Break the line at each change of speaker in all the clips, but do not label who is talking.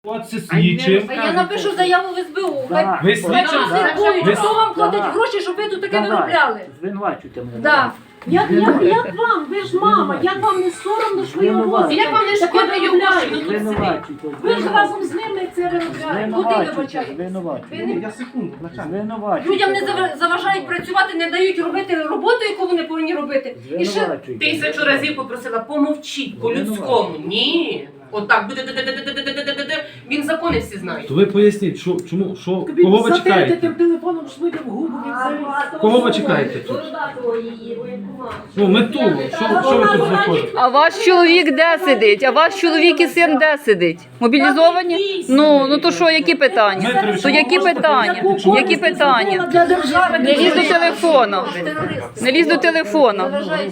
Це слідчим.
А я напишу заяву в СБУ.
Ви слідчим?
Хто вам платить гроші, щоб ви тут таке виробляли?
Звинувачуйте мене.
Да.
Як вам? Ви ж мама, як вам не соромно, що ви робите?
Як вам не шкода його гроші?
Звинувачуйте.
Ви ж разом з ними це виробляєте.
Куди вибачаєте?
Звинувачуйте.
Я секунду, начальник.
Звинувачуйте.
Людям не заважають працювати, не дають робити роботу, яку вони повинні робити. І ще
Звинувачуйте.
1000 разів попросила, помовчіть по-людському. Ні. Отак буде. Він закони всі знає.
То ви поясніть, кого ви чекаєте?
Тим телефоном швидко в губу.
Кого ви чекаєте тут? Ну, мету, що ви тут знаходите?
А ваш чоловік де сидить? А ваш чоловік і син де сидить? Мобілізовані? Ну то що, які питання? То які питання? Які питання? Не лізь до телефону. Не лізь до телефону.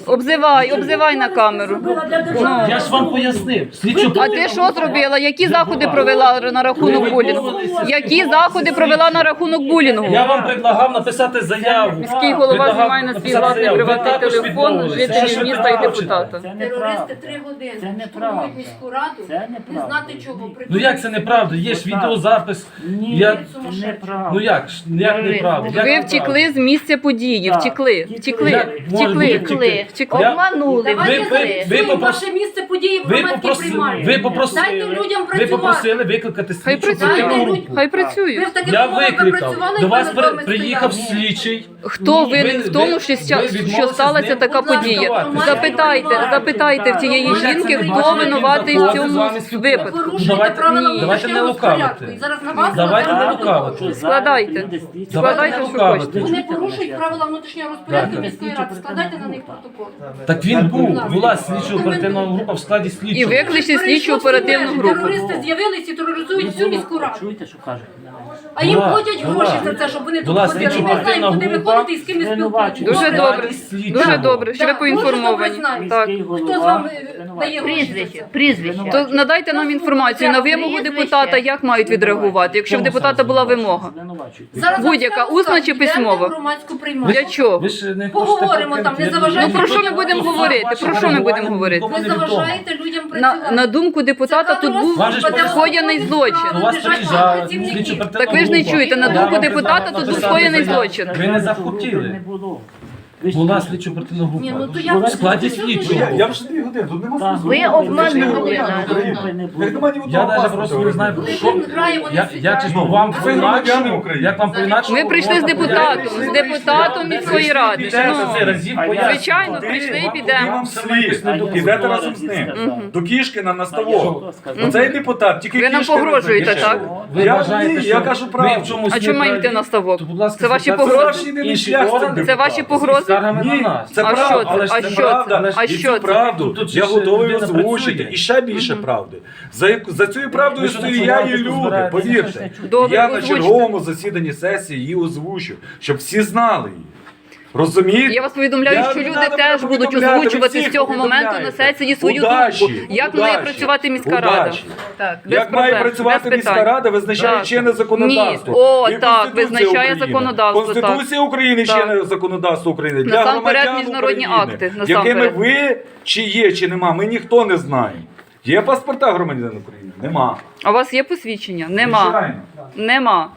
Обзивай на камеру. Ну.
Я ж вам пояснив. Слідчу
А ти що зробила? Які заходи провела на рахунок булінгу? Які заходи провела на рахунок булінгу?
Я вам предлагав написати заяву.
Міський голова
Предлагав
знімає на свій
написати
власний
заяву. Ви
приватний
також
телефон
відмовились. Це ж
жителів
ви
міста і
також
депутата.
Це неправда.
терористи 3 години
Це неправда.
штурмують міську раду,
Це
не
неправда.
знати чого.
Ну як це неправда? Є ж відеозапис.
Ні,
Я...
це неправда.
Ну як ж? Як неправда? Як
Ви
неправда?
втекли з місця події, втекли.
Як може бути втекти?
Втекли.
Я-
Обманули.
Давайте
ви
зафіксуємо
попросили-
ваше місце події в громадській приймальні. Дайте людям
Ви попросили
працювати.
викликати
Хай
слідчу
працюють.
оперативну
Дайте
групу.
Хай
Ви
працюють.
в таких
Я
умовах
викликав.
працювали,
До вас
і ми з вами
приїхав
стояли.
слідчий.
Хто винен в тому, що
відмовилися
сталася
з ним
така подія?
спілкуватися.
Запитайте в цієї жінки, хто винуватий в цьому випадку.
Порушуєте
Давайте-
правила
ні.
давайте не
внутрішнього
лукавити.
порядку. І зараз на вас
Давайте не
накладуть
лукавити.
протокол.
Складайте. Складайте, що
лукавити.
хочете.
Вони порушують правила внутрішнього розпорядку
Так.
міської ради. Складайте на них протокол.
Так він була слідчо оперативна група в складі
І
слідчого.
викличте слідчу оперативну групу.
Терористи з'явилися і тероризують всю міську раду.
Чуєте, що кажуть?
А їм
Була-
платять
була-
гроші за це, щоб вони тут
була
ходили. Ми
слідчо-оперативна
знаємо, куди ви
група.
ходите і з ким ви спілкуєтесь.
Дуже добре.
Слідчого.
Дуже добре, що ви
Так, дуже добре
поінформовані.
знаєте.
Так.
Хто з вами дає гроші за це?
Прізвище.
То надайте нам інформацію на вимогу депутата, як мають відреагувати, якщо в депутата була вимога.
Звинувачуйте.
Зараз
Будь-яка,
вам
усна
скажу,
чи
йдемо
письмова?
в громадську приймальню.
Для чого?
Ви ж не
Поговоримо
хочете
там, не
покинути
заважайте.
Ну про що ми будемо говорити? Про що ми будемо говорити?
Ви заважаєте людям
На
працювати.
думку депутата тут був
Вам же ж
скоєний злочин.
У вас приїжджала слідчо оперативна
Так ви ж не
група.
чуєте, на
Я
думку
вам
депутата
предлагав
тут був
написати
скоєний
заяву.
злочин.
Ви не
Не
захотіли.
було.
Була слідчо оперативна група.
Ні, ну то я
В складі слідчого.
Я вже 2 години, тут нема
Так,
смислу.
Ви обманули
нас.
Як нема ні
Я
одного
навіть
паспорта.
просто не знаю,
Коли
що...
він грає, вони
Я
сидять.
чесно, вам
Ви громадяни
по-інакшому,
України.
як вам по-інакшому...
Ми прийшли з депутатом міської ради.
Підемо
Ну,
це разів пояснювати.
Звичайно, прийшли і підемо.
Вам слід. Ідете разом з ним. До Кішкіна на ставок.
Сказав.
Оцей депутат, тільки
Ви нам
Кішкіна
погрожуєте,
знає.
так?
Ви
Я
вважаєте,
ні,
що
я кажу
ви
правду.
в чомусь
А чому маєте на ставок?
То, будь ласка,
Це ваші
звертайтеся
погрози?
Це ваш єдиний
інші
шлях з цим
органи.
Це ваші
депутатом.
погрози?
Скаргами на
Ні,
нас.
це
А
правда,
що це?
але ж
А
це
що
правда.
це? А
І
що
цю
це?
правду
Тут
я
ж
готовий
людина
озвучити.
працює.
І ще більше правди. За цією правдою
Ви що,
стою я і
починаєте
люди,
розбиратися?
повірте.
Добре,
Я на
озвучте.
черговому засіданні сесії її озвучу, щоб всі знали її. Розумієте?
Я вас повідомляю,
Я
що
не
люди
надо
теж
мене
будуть
повідомляти, ви
озвучувати
всіх
з цього моменту на
повідомляєте.
сесії свою
Удачі,
думку. Як має
удачі,
працювати міська рада?
удачі.
Так, без
Як має
проблем,
працювати
без
міська
питань.
рада, визначає
Так.
чинне законодавство.
Ні, о,
І
так,
Конституція
визначає
України.
законодавство, так.
Конституція України
Так.
чинне законодавство України. Для
Насамперед
громадян
міжнародні
України,
акти,
якими
насамперед.
ви чи є, чи нема, ми ніхто не знаємо. Є паспорта громадян України? Нема.
А у вас є посвідчення? Нема.
Звичайно.
Нема.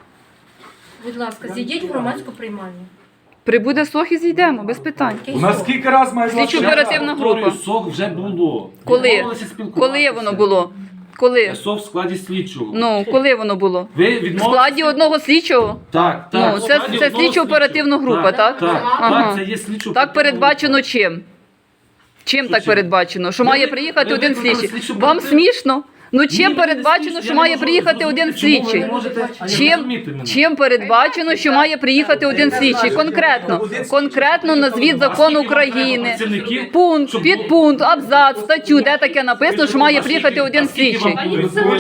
Будь ласка, зійдіть в громадську приймальню.
Прибуде сох і зійдемо, без питань.
У нас скільки раз має
Слідчо
власне-
оперативна група.
СОК вже було.
Коли?
Відмовилися спілкуватися.
Коли воно було? Коли?
СОК в складі слідчого.
Ну, коли воно було?
Ви
В
відмовилися?
складі одного слідчого?
Так, так.
Ну,
в
це
складі
це
одного
слідчо-оперативна
слідчого.
група, так?
Так,
Ага.
так, це є слідчо.
Так передбачено чим? Чим так передбачено? Що має приїхати один слідчий? Вам смішно? Ну чим передбачено, що має приїхати один слідчий? Чим передбачено, що має приїхати один слідчий? Конкретно назвіть закон України. Пункт, підпункт, абзац, статтю, де таке написано, що має приїхати один слідчий.